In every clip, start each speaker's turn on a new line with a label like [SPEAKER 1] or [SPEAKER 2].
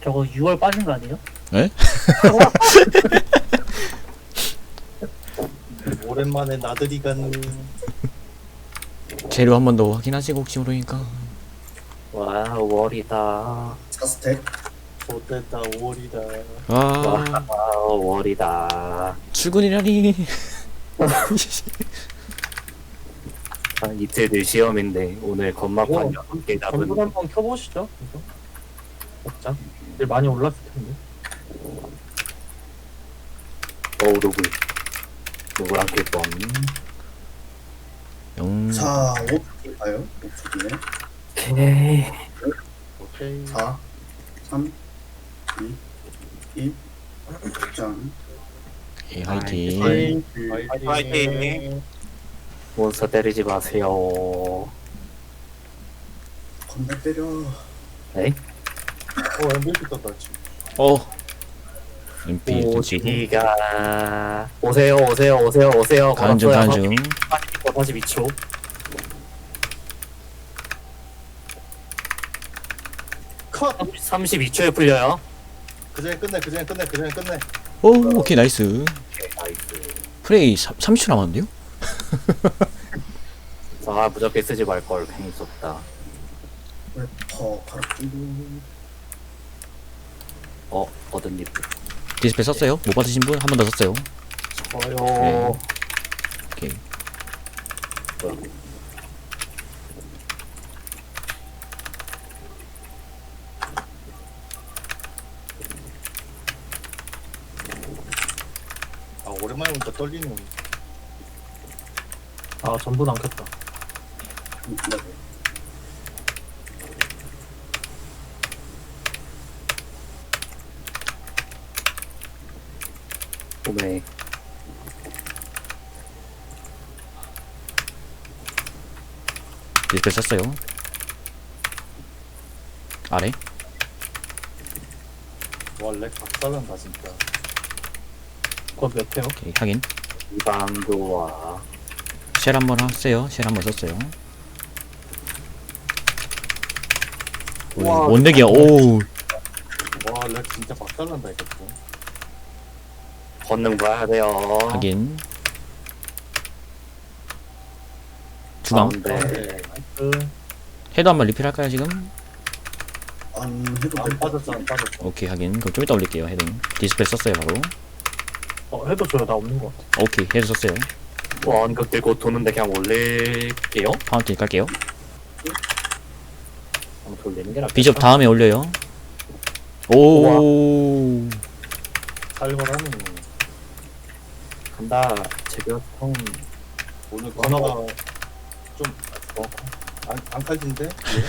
[SPEAKER 1] 저거 6월 빠진 거 아니에요?
[SPEAKER 2] 에?
[SPEAKER 3] 오랜만에 나들이 가는.
[SPEAKER 2] 재료 한 번 더 확인하시고 혹시 모르니까.
[SPEAKER 1] 와, 월이다.
[SPEAKER 4] 4스택.
[SPEAKER 3] 못됐다 5월이다.
[SPEAKER 2] 와,
[SPEAKER 1] 와, 월이다.
[SPEAKER 2] 출근이라니.
[SPEAKER 1] 한 이틀 뒤 시험인데 오늘 건막판
[SPEAKER 5] 이거
[SPEAKER 1] 6개
[SPEAKER 5] 전부
[SPEAKER 1] 잡은
[SPEAKER 5] 한번 켜보시죠. 이거. 먹자. 일 많이 올랐을 텐데.
[SPEAKER 1] 로블. 로블랑 킬뻔.
[SPEAKER 2] 0.
[SPEAKER 4] 자, 5초 가요. 5초 뒤에.
[SPEAKER 1] 오케이.
[SPEAKER 3] 오케이.
[SPEAKER 4] 4, 3, 2, 1. 짠.
[SPEAKER 2] 예, 화이팅.
[SPEAKER 3] 화이팅.
[SPEAKER 1] 화이팅. 몬스터 때리지 마세요.
[SPEAKER 4] 건달 때려.
[SPEAKER 1] 에이?
[SPEAKER 3] MVP 떴다 지금.
[SPEAKER 2] MP 던지고.
[SPEAKER 1] 오지가 오세요 오세요 오세요 오세요.
[SPEAKER 2] 가는 중, 가는 중.
[SPEAKER 1] 42초.
[SPEAKER 3] 컷.
[SPEAKER 1] 32초에 풀려요.
[SPEAKER 3] 그전에 끝내. 그전에 끝내.
[SPEAKER 2] 오, 오케이, 나이스.
[SPEAKER 1] 오케이, 나이스.
[SPEAKER 2] 프레이 30초 남았는데요?
[SPEAKER 1] 아, 무적게 쓰지 말걸. 괜히 썼다.
[SPEAKER 4] 래퍼 바로 끼고.
[SPEAKER 1] 얻은 잎.
[SPEAKER 2] 디스플레이 썼어요? 못 받으신 분? 한 번 더 썼어요.
[SPEAKER 1] 저요.
[SPEAKER 2] 오케이.
[SPEAKER 1] 뭐야.
[SPEAKER 3] 아 오랜만에 보니까 떨리는.
[SPEAKER 5] 아, 전부 안 켰다.
[SPEAKER 4] 네.
[SPEAKER 1] 오메.
[SPEAKER 2] 디스플레이 썼어요. 아래.
[SPEAKER 3] 와렉 박살난다 진짜.
[SPEAKER 5] 그거 몇 회요?
[SPEAKER 2] 오케이, 확인.
[SPEAKER 1] 이방 좋아.
[SPEAKER 2] 쉘 한 번 하세요. 쉘 한 번 썼어요.
[SPEAKER 1] 우와,
[SPEAKER 2] 원내기야, 오.
[SPEAKER 3] 와렉 진짜 박살난다 이거.
[SPEAKER 1] 권능 봐야 돼요.
[SPEAKER 2] 확인. 주방.
[SPEAKER 1] 가운데.
[SPEAKER 5] 그,
[SPEAKER 2] 해도 한번 리필 할까요, 지금?
[SPEAKER 4] 안 해도
[SPEAKER 3] 안
[SPEAKER 4] 될 것
[SPEAKER 3] 빠졌어 안 빠졌어.
[SPEAKER 2] 오케이, 확인. 그럼 좀 이따 올릴게요, 헤딩. 디스플레이 썼어요, 바로.
[SPEAKER 5] 해도 줘요. 나 없는 것 같아.
[SPEAKER 2] 오케이, 헤드 썼어요.
[SPEAKER 1] 원극 들고 도는데 그냥 올릴게요.
[SPEAKER 2] 파운틴 깔게요.
[SPEAKER 1] 한번 돌리는 게 낫겠다.
[SPEAKER 2] 비숍 다음에 올려요. 오.
[SPEAKER 3] 살벌하네.
[SPEAKER 1] 간다. 제교통.
[SPEAKER 3] 오늘 번호가 좀 안 칼진데?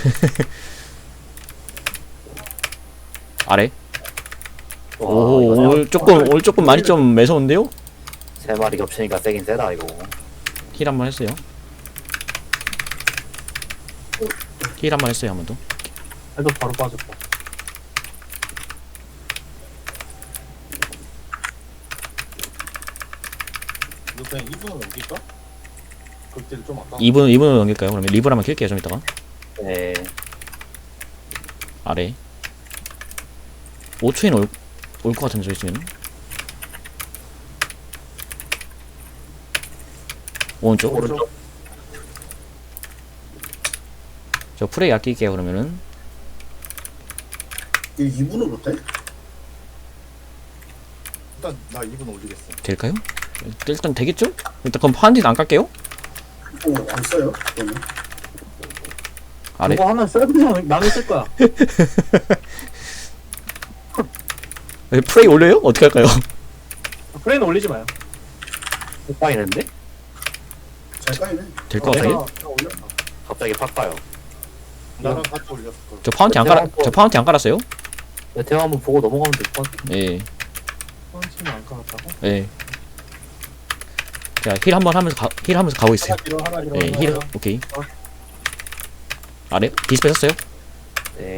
[SPEAKER 2] 아래.
[SPEAKER 1] 와,
[SPEAKER 2] 오,
[SPEAKER 1] 이거
[SPEAKER 2] 올 조금 많이 좀 매서운데요?
[SPEAKER 1] 세 마리 겹치니까 세긴 세다 이거.
[SPEAKER 2] 힐 한 번 했어요. 힐 한 번 했어요, 한 번 더.
[SPEAKER 5] 해도 바로 빠졌다.
[SPEAKER 3] 이거 그냥 2분은 넘길까? 극딜 좀 아까.
[SPEAKER 2] 2분으로 넘길까요? 그러면 리블 한번 킬게요, 좀 이따가.
[SPEAKER 1] 네.
[SPEAKER 2] 아래. 5초에는 올 것 같은데, 저 있으면. 오른쪽.
[SPEAKER 1] 오른쪽.
[SPEAKER 2] 저 프레이 아낄게요, 그러면은.
[SPEAKER 4] 이게 2분으로 돼?
[SPEAKER 3] 일단 나 2분 올리겠어.
[SPEAKER 2] 될까요? 일단 되겠죠? 일단 그럼 파운틴 안 깔게요?
[SPEAKER 4] 안 써요? 그러면.
[SPEAKER 2] 아래.
[SPEAKER 5] 이거 하나 써야 되잖아. 나는 쓸 거야.
[SPEAKER 2] 프레이 올려요? 어떻게 할까요?
[SPEAKER 5] 프레이는 올리지 마요.
[SPEAKER 1] 못 빠이는데?
[SPEAKER 4] 잘 까이네.
[SPEAKER 2] 될 것 같아요?
[SPEAKER 5] 내가 올렸어.
[SPEAKER 1] 갑자기 팍 봐요.
[SPEAKER 3] 나랑 같이 올렸을 걸.
[SPEAKER 2] 저 파운틴 안 깔았어요?
[SPEAKER 1] 메테오 한번 보고 넘어가면 될 것 같아.
[SPEAKER 2] 예,
[SPEAKER 5] 펀치는 안 깔았다고?
[SPEAKER 2] 예. 자, 힐 한 번 하면서 가고 있어요.
[SPEAKER 3] 하나 길어.
[SPEAKER 2] 예, 힐, 오케이. 아래? 디스플레이 썼어요?
[SPEAKER 1] 네.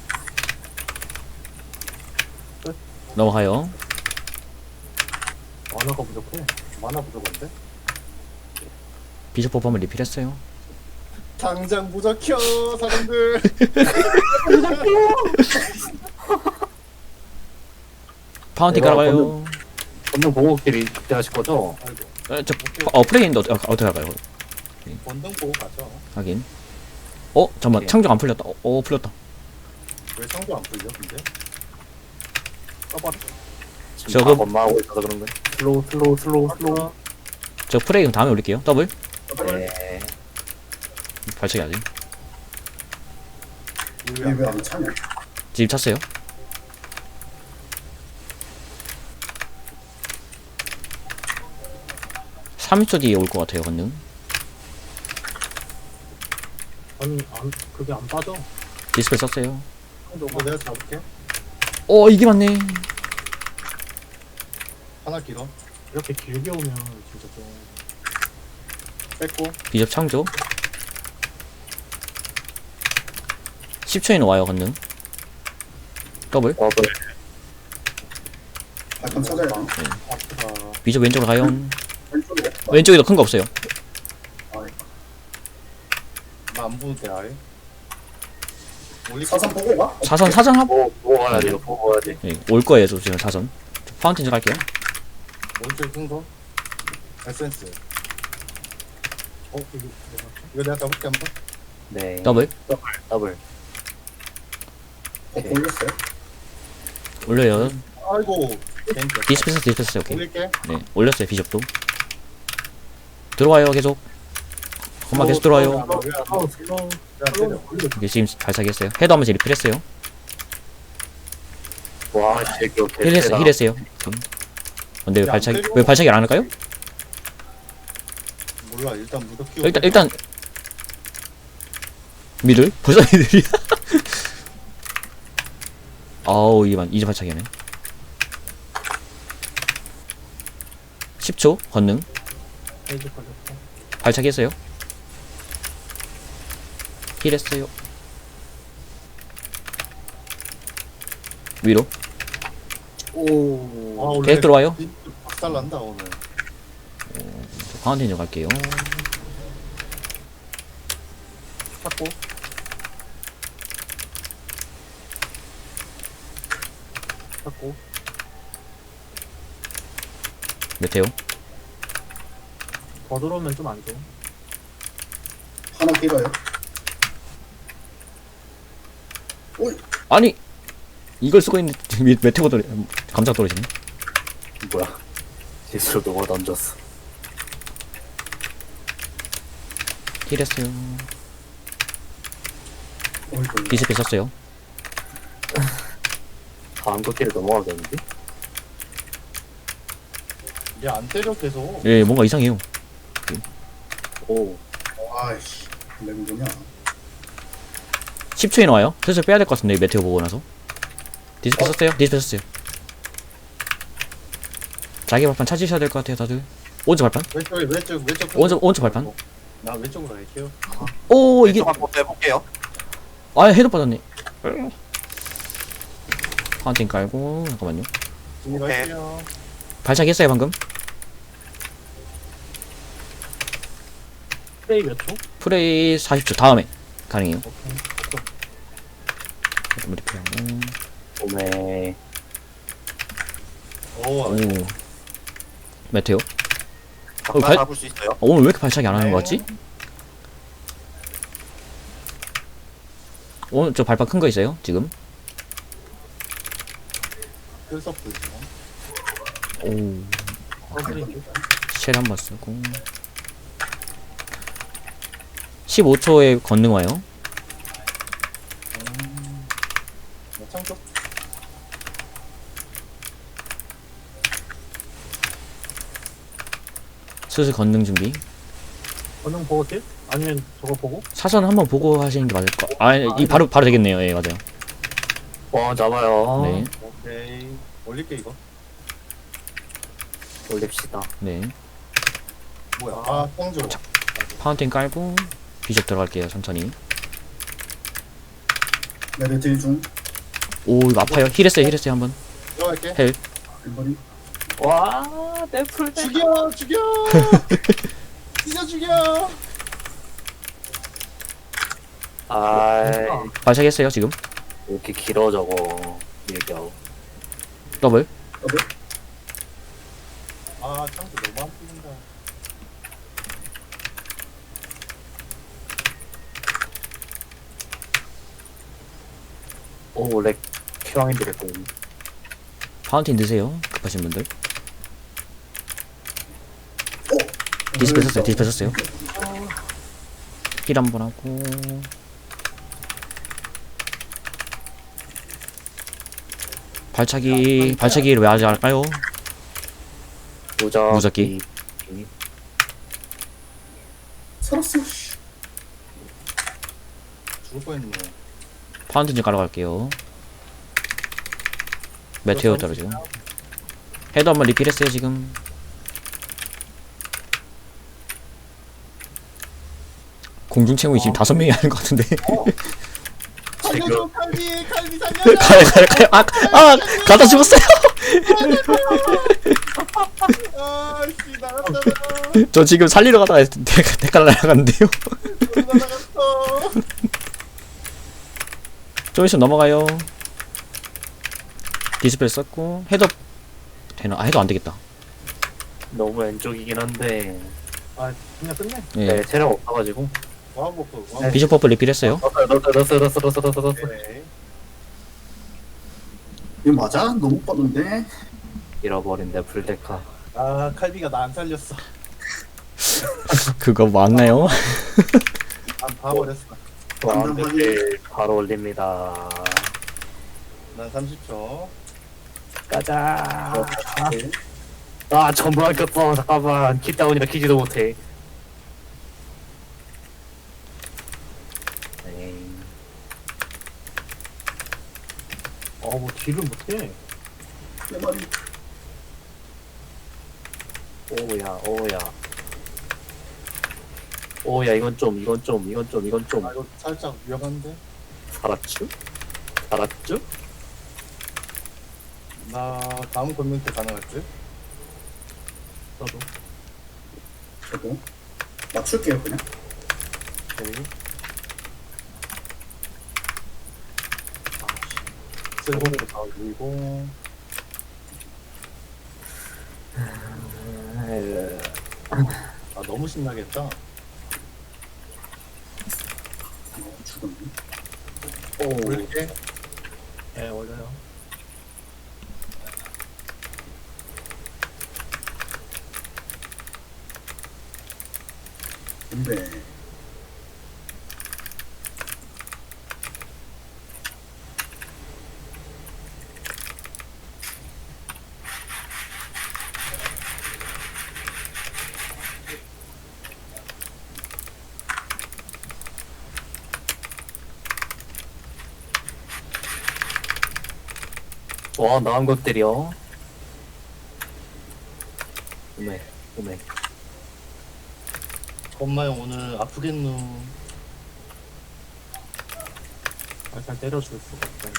[SPEAKER 2] 넘어가요.
[SPEAKER 5] 만화가 부족해.
[SPEAKER 3] 만화 부족한데?
[SPEAKER 2] 비숍 포프 한번 리필했어요.
[SPEAKER 3] 당장 무적혀 사람들.
[SPEAKER 2] 파운틴
[SPEAKER 1] 내가
[SPEAKER 2] 깔아봐요.
[SPEAKER 1] 건능 보호끼리 그때 하실 거죠?
[SPEAKER 3] 아이고.
[SPEAKER 2] 프레이인데 어떻게 할까요?
[SPEAKER 3] 권능 보고 가죠.
[SPEAKER 2] 하긴. 잠깐만.
[SPEAKER 1] 예.
[SPEAKER 2] 창조 안 풀렸다. 풀렸다.
[SPEAKER 3] 왜 상도 안 풀려 근데? 써봐라.
[SPEAKER 1] 지금
[SPEAKER 2] 저거-
[SPEAKER 1] 다 건마하고 있어서 그런 거예요. 슬로우.
[SPEAKER 2] 저 프레이 그럼 다음에 올릴게요. 더블.
[SPEAKER 1] 네.
[SPEAKER 2] 발차기 아직.
[SPEAKER 4] 왜안 차냐?
[SPEAKER 2] 집 찼어요. (30초) 뒤에 올 것 같아요. 건능.
[SPEAKER 5] 아니 그게 안 빠져.
[SPEAKER 2] 디스플레이 썼어요.
[SPEAKER 3] 이거 내가 잡을게.
[SPEAKER 2] 이게 맞네.
[SPEAKER 3] 하나 길어.
[SPEAKER 5] 이렇게 길게 오면 진짜 좀
[SPEAKER 3] 뺐고.
[SPEAKER 2] 비접 창조. 10초에는 와요. 건능. 더블.
[SPEAKER 1] 더블.
[SPEAKER 4] 발판 찾아야 돼.
[SPEAKER 3] 아프다.
[SPEAKER 2] 비접 왼쪽으로 가요.
[SPEAKER 4] 왼쪽으로.
[SPEAKER 2] 왼쪽에도 큰 거 없어요.
[SPEAKER 3] 나안 보는데 아예. 올릴게.
[SPEAKER 4] 사선 보고 가.
[SPEAKER 2] 사선 합.
[SPEAKER 1] 보고 가야 돼요. 보고 가야 돼.
[SPEAKER 2] 올 거예요. 저 지금 사선. 파운틴 좀 갈게요.
[SPEAKER 3] 오른쪽에 큰 거. 에센스.
[SPEAKER 5] 이거
[SPEAKER 3] 이거 내가 잡을게 한 번.
[SPEAKER 1] 네.
[SPEAKER 2] 더블.
[SPEAKER 1] 더블.
[SPEAKER 4] 올렸어요.
[SPEAKER 2] 올려요.
[SPEAKER 3] 아이고. 괜찮다.
[SPEAKER 2] 디스패스 오케이.
[SPEAKER 3] 올릴게.
[SPEAKER 2] 네, 올렸어요. 비접도. 들어와요. 계속. 엄마 계속 들어와요. 이게 지금 발차기 했어요. 헤드 한번 리필했어요.
[SPEAKER 1] 와, 제기
[SPEAKER 2] 힐했어요. 근데 왜
[SPEAKER 3] 야,
[SPEAKER 2] 발차기
[SPEAKER 3] 안 되고.
[SPEAKER 2] 왜 발차기를 안 할까요?
[SPEAKER 3] 몰라 일단 무적 키워.
[SPEAKER 2] 일단 미들 벌써 미들이야. 아우 이제 발차기 하네. 10초 건능
[SPEAKER 5] 페이지 걸렸어.
[SPEAKER 2] 발차기 했어요. 힐했어요. 위로
[SPEAKER 3] 오.
[SPEAKER 2] 계속 들어와요.
[SPEAKER 3] 박살 난다 오늘.
[SPEAKER 2] 파운틴 좀 갈게요.
[SPEAKER 3] 찾고. 찾고.
[SPEAKER 2] 메테오
[SPEAKER 5] 더 들어오면 좀 안 좋아.
[SPEAKER 4] 하나 길어요.
[SPEAKER 2] 아니 이걸 쓰고 있는데 메테오 감자 떨어지네.
[SPEAKER 1] 뭐야? 실수로 누가 던졌어.
[SPEAKER 2] 힐했어요.
[SPEAKER 4] 어이구.
[SPEAKER 2] 디스플레이 썼어요.
[SPEAKER 1] 다음 걷기를 넘어가겠는데?
[SPEAKER 3] 얘 안 때려 계속.
[SPEAKER 2] 예, 뭔가 이상해요.
[SPEAKER 1] 오.
[SPEAKER 4] 아이씨. 랭구냐.
[SPEAKER 2] 10초에 나와요. 슬슬 빼야 될 것 같은데 메테오 보고 나서. 디스플레이 썼어요. 디스플레이 썼어요. 자기 발판 찾으셔야 될 것 같아요, 다들. 오른쪽 발판.
[SPEAKER 3] 왼쪽.
[SPEAKER 2] 오른쪽 발판.
[SPEAKER 3] 나 왼쪽으로 갈게요.
[SPEAKER 2] 오 이게
[SPEAKER 1] 한번 해볼게요.
[SPEAKER 2] 헤드 빠졌네. 파운틴 깔고 잠깐만요.
[SPEAKER 3] 진입할게요.
[SPEAKER 2] 발차기 했어요 방금.
[SPEAKER 5] 프레이 몇 초?
[SPEAKER 2] 프레이 40초 다음에 가능해요.
[SPEAKER 3] 오케이.
[SPEAKER 2] 리필하고.
[SPEAKER 1] 오메.
[SPEAKER 2] 오 메테오.
[SPEAKER 1] 발 잡을 수 있어요?
[SPEAKER 2] 오늘 왜 이렇게 발차기 안 하는 거 같지? 오늘 저 발판 큰 거 있어요 지금.
[SPEAKER 3] 필서 불죠.
[SPEAKER 2] 오
[SPEAKER 5] 더블인데.
[SPEAKER 2] 쉘 한번 쓰고 15초에 건능 와요.
[SPEAKER 3] 창조.
[SPEAKER 2] 슬슬 건능 준비.
[SPEAKER 5] 권능 보고 딜? 아니면 저거 보고?
[SPEAKER 2] 사선 한번 보고 하시는 게 맞을 거. 이 바로 되겠네요. 예 맞아요.
[SPEAKER 1] 와, 잡아요.
[SPEAKER 2] 네,
[SPEAKER 3] 오케이. 올릴게 이거.
[SPEAKER 1] 올립시다.
[SPEAKER 2] 네.
[SPEAKER 3] 뭐야? 아 창조.
[SPEAKER 2] 파운틴 깔고 비숍 들어갈게요. 천천히.
[SPEAKER 4] 레벨 딜 중.
[SPEAKER 2] 오 이거 아파요. 힐했어요. 한번.
[SPEAKER 3] 들어갈게.
[SPEAKER 2] 헬.
[SPEAKER 4] 왼발이.
[SPEAKER 1] 와, 내 풀.
[SPEAKER 3] 죽여. 진짜 죽여.
[SPEAKER 1] 아이,
[SPEAKER 2] 발차기 했어요 지금.
[SPEAKER 1] 왜 이렇게 길어 저거. 얘기하고.
[SPEAKER 2] 더블.
[SPEAKER 4] 더블.
[SPEAKER 3] 아 창도 너무 안 풀린다.
[SPEAKER 1] 오, 렉 큐왕인데 렉 공.
[SPEAKER 2] 파운틴 드세요. 급하신 분들.
[SPEAKER 4] 오!
[SPEAKER 2] 디스플 썼어요. 디스플 썼어요. 힐 한번 하고. 발차기를 왜 하지 않을까요? 무적기.
[SPEAKER 4] 살았어. 씨.
[SPEAKER 3] 죽을 뻔했네.
[SPEAKER 2] 파운틴 좀 깔아갈게요. 메테오 떨어지고. 헤드 한번 리필했어요 지금. 공중채용이 지금 5명이 하는 것 같은데.
[SPEAKER 3] 살려줘 칼비 살려줘.
[SPEAKER 2] 가요. 가다 죽었어요.
[SPEAKER 3] 아씨 나갔잖아.
[SPEAKER 2] 저 지금 살리러 가다가 대깔 날아갔는데요.
[SPEAKER 3] 나갔어.
[SPEAKER 2] 좀 있으면 넘어가요. 디스플레이 썼고 헤드업 되나? 아 헤드 안 되겠다.
[SPEAKER 1] 너무 왼쪽이긴 한데.
[SPEAKER 3] 아 그냥 끝내.
[SPEAKER 2] 예.
[SPEAKER 1] 네, 체력 없어가지고.
[SPEAKER 3] 와보고.
[SPEAKER 2] 비숍 퍼플 리필했어요.
[SPEAKER 1] 넣었어.
[SPEAKER 3] 네.
[SPEAKER 4] 이거 맞아? 너무 빠른데?
[SPEAKER 1] 잃어버린데 풀데카.
[SPEAKER 3] 아 칼비가 나 안 살렸어.
[SPEAKER 2] 그거 맞나요?
[SPEAKER 3] 안 봐버렸어.
[SPEAKER 1] 완벽히 바로 올립니다.
[SPEAKER 3] 난 30초.
[SPEAKER 1] 가자.
[SPEAKER 4] 네.
[SPEAKER 1] 아, 전부 안 꼈어. 잠깐만. 킷다운이라 키지도 못해. 에이.
[SPEAKER 3] 뭐 딜을 못해.
[SPEAKER 4] 내 말이.
[SPEAKER 1] 오야, 이건 좀.
[SPEAKER 3] 아 이거 살짝 위험한데.
[SPEAKER 1] 살았쥬?
[SPEAKER 3] 나 다음 권민트 가능할 듯.
[SPEAKER 1] 너도.
[SPEAKER 4] 저도. 맞출게요, 그냥.
[SPEAKER 3] 오케이. 쓸고기도 다 올리고. 아 너무 신나겠다.
[SPEAKER 4] 죽었네.
[SPEAKER 3] 올릴게.
[SPEAKER 1] 네, 올려요.
[SPEAKER 4] 근데.
[SPEAKER 1] 와, 나은 것들이요. 오메.
[SPEAKER 3] 엄마형 오늘 아프겠누. 살살 때려줄 수가 없다.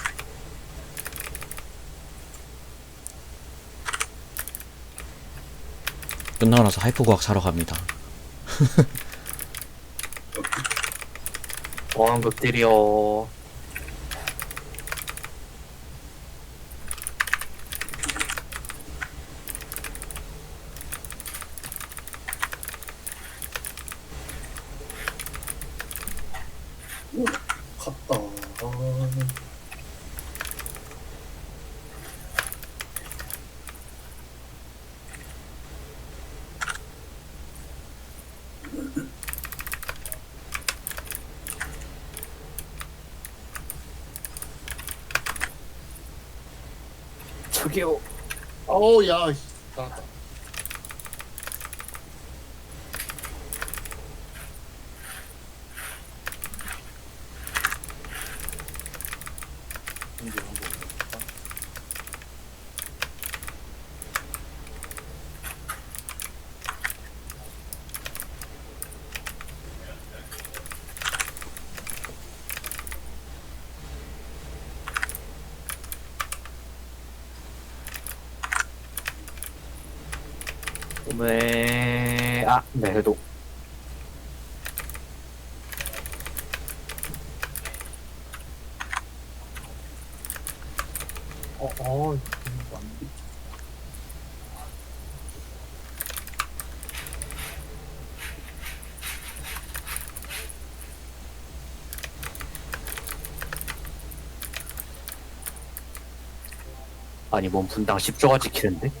[SPEAKER 2] 끝나고 나서 하이퍼 과학 사러 갑니다.
[SPEAKER 1] 나은 것들이요.
[SPEAKER 4] 오, 갔다.
[SPEAKER 1] 저기요.
[SPEAKER 3] 어우 야. 씨. 나갔다. 이제 한번 볼까?
[SPEAKER 1] 오메. 아, 네, 해도. 아니 뭔 분당 10조가 찍히는데?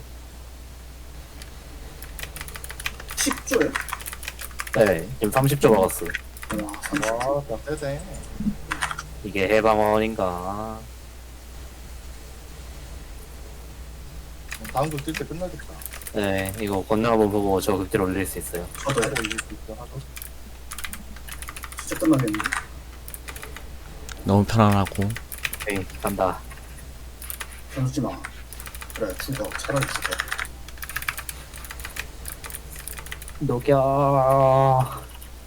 [SPEAKER 4] 10조에?
[SPEAKER 1] 네 지금 30조 먹었어.
[SPEAKER 4] 와 30조.
[SPEAKER 3] 와, 나 세세.
[SPEAKER 1] 이게 해방원인가?
[SPEAKER 3] 다음 글 뜰 때 끝나겠다.
[SPEAKER 1] 네 이거 건너 한번 보고 저 극딜 올릴 수 있어요.
[SPEAKER 4] 저도
[SPEAKER 3] 하고 이길 수 있어. 하고.
[SPEAKER 4] 진짜 끝나겠는데.
[SPEAKER 2] 너무 편안하고.
[SPEAKER 1] 네 간다.
[SPEAKER 4] 변수지 마. 그래 죽어. 차라리 죽어.
[SPEAKER 1] 녹여.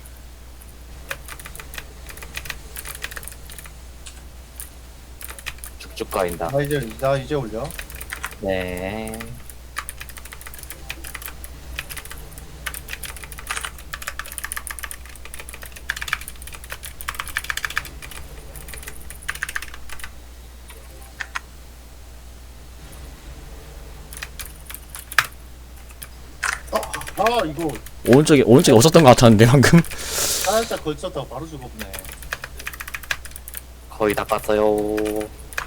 [SPEAKER 1] 쭉쭉 가인다.
[SPEAKER 3] 나 이제 올려.
[SPEAKER 1] 네.
[SPEAKER 3] 아, 이거
[SPEAKER 2] 오른쪽에 없었던 것 같았는데 방금.
[SPEAKER 3] 살짝 걸쳤다가 바로 죽었네.
[SPEAKER 1] 거의 다 깠어요.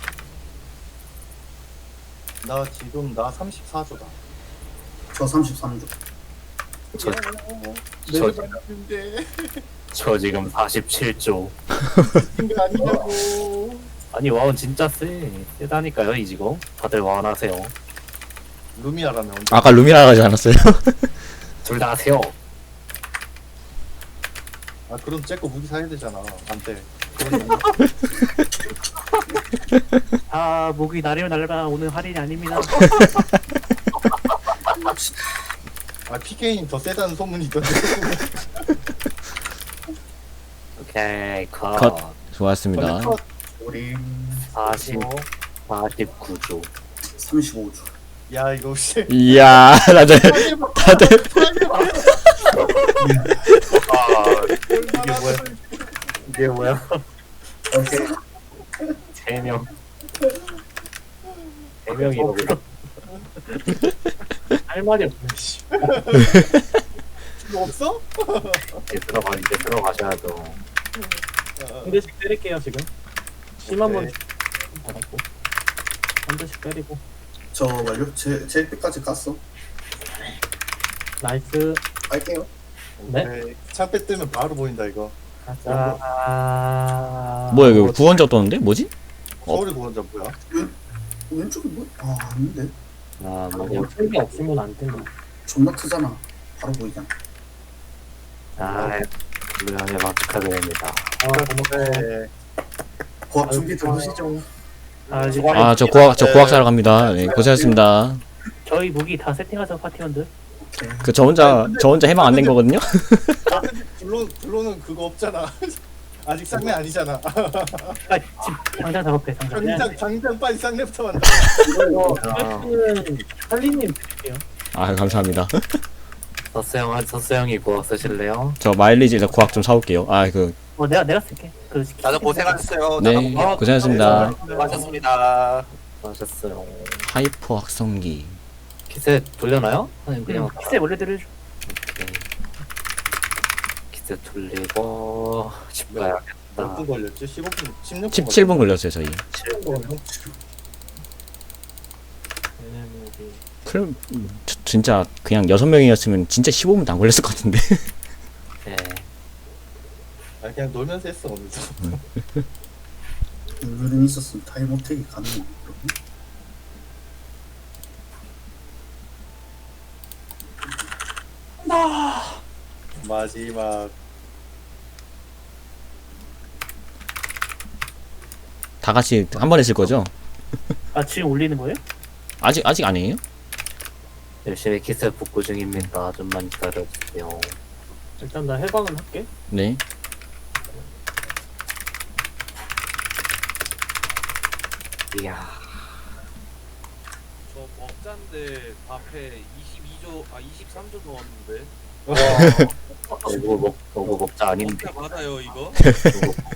[SPEAKER 3] 나 지금 나 34조다.
[SPEAKER 4] 저 33조.
[SPEAKER 1] 저,
[SPEAKER 3] 내가
[SPEAKER 1] 저-
[SPEAKER 3] 봤는데
[SPEAKER 1] 저 지금 47조.
[SPEAKER 3] 이거 아니냐고.
[SPEAKER 1] 아니 와운 진짜 세다니까요 이 지금. 다들 와운 하세요.
[SPEAKER 3] 루미아라면 언제?
[SPEAKER 2] 아까 루미라 하지 않았어요?
[SPEAKER 1] 둘 다 하세요.
[SPEAKER 3] 아 그럼 쟤거 무기 사야 되잖아. 안 돼. 그건
[SPEAKER 1] 아 목이 나리면 날라 오늘 할인이 아닙니다.
[SPEAKER 3] 아 PK는 더 세다는 소문이 있던데.
[SPEAKER 1] 오케이 컷.
[SPEAKER 2] 컷. 좋았습니다.
[SPEAKER 4] 우리
[SPEAKER 1] 49조.
[SPEAKER 4] 35조.
[SPEAKER 3] 야 이거 혹시
[SPEAKER 2] 이야, 다들
[SPEAKER 1] 아
[SPEAKER 3] 이게 뭐야?
[SPEAKER 1] 이게 뭐야?
[SPEAKER 4] 오케이.
[SPEAKER 1] 3명. 3명이라고요? 할 말이 없네. 씨.
[SPEAKER 3] 이거 없어?
[SPEAKER 1] 이제 들어가셔야죠.
[SPEAKER 5] 한 대씩 때릴게요 지금. 심한 번
[SPEAKER 3] 네.
[SPEAKER 5] 받았고 한 대씩 때리고.
[SPEAKER 4] 저 완료. 제 1픽까지 깠어.
[SPEAKER 5] 나이스.
[SPEAKER 4] 갈게요.
[SPEAKER 5] 네.
[SPEAKER 3] 창패 뜨면 바로 보인다 이거.
[SPEAKER 5] 가자.
[SPEAKER 2] 뭐야 이거 구원자 떴는데? 뭐지?
[SPEAKER 3] 서울이 구원자 뭐야?
[SPEAKER 4] 왼쪽이 뭐? 아 아닌데.
[SPEAKER 1] 아
[SPEAKER 5] 뭐
[SPEAKER 1] 뭐.
[SPEAKER 5] 풀게 없으면 안 된다.
[SPEAKER 4] 존나 크잖아. 바로 보이잖아.
[SPEAKER 1] 아 물량에 축하드립니다.
[SPEAKER 5] 아 고맙다.
[SPEAKER 3] 네.
[SPEAKER 4] 고압 준비 들으시죠.
[SPEAKER 5] 아 이제
[SPEAKER 2] 저 고학 사러 갑니다. 네, 고생하셨습니다.
[SPEAKER 5] 저희 무기 다 세팅하자 파티원들.
[SPEAKER 4] 오케이.
[SPEAKER 2] 저 혼자 해방 안 된 거거든요?
[SPEAKER 3] 블로는 그거 없잖아. 아직 쌍내 아니잖아.
[SPEAKER 5] 아 지금 당장 작업해 당장.
[SPEAKER 3] 당장 빨리 쌍내부터 만나.
[SPEAKER 5] 이거
[SPEAKER 1] 아.
[SPEAKER 5] 파티는 할리님 드릴게요.
[SPEAKER 2] 아, 감사합니다.
[SPEAKER 1] 서스 형이 구워 쓰실래요?
[SPEAKER 2] 저 마일리지에서 고학 좀 사올게요.
[SPEAKER 5] 내가 쓸게. 그
[SPEAKER 6] 다들 고생하셨어요.
[SPEAKER 2] 네, 고생하셨습니다.
[SPEAKER 6] 수고하셨습니다.
[SPEAKER 1] 하셨어요.
[SPEAKER 2] 하이퍼 확성기.
[SPEAKER 1] 키세 돌려놔요? 아니 그냥
[SPEAKER 5] 키세 원래대로 해줘.
[SPEAKER 1] 오케이. 키세 돌리고 집 가야겠다.
[SPEAKER 3] 몇 분 걸렸지? 15분, 16분.
[SPEAKER 2] 17분 걸렸어요, 저희.
[SPEAKER 5] 얘네 무기.
[SPEAKER 2] 진짜 그냥 6명이었으면 진짜 15분도 안 걸렸을 것 같은데.
[SPEAKER 1] 네.
[SPEAKER 3] 아 그냥 놀면서 했어 오늘도.
[SPEAKER 4] 물은 있었으면 타임어택이 가능해.
[SPEAKER 3] 마지막
[SPEAKER 2] 다 같이 한 번 했을 거죠?
[SPEAKER 5] 아 지금 올리는 거예요?
[SPEAKER 2] 아직 아니에요?
[SPEAKER 1] 열심히 키세 복구 중입니다. 좀만 기다려주세요.
[SPEAKER 5] 일단 나 해방은 할게.
[SPEAKER 2] 네.
[SPEAKER 1] 이야.
[SPEAKER 6] 저 먹자인데 앞에 22조, 23조 넣었는데.
[SPEAKER 1] 오고 먹자 아닌데.
[SPEAKER 6] 먹자 맞아요 이거?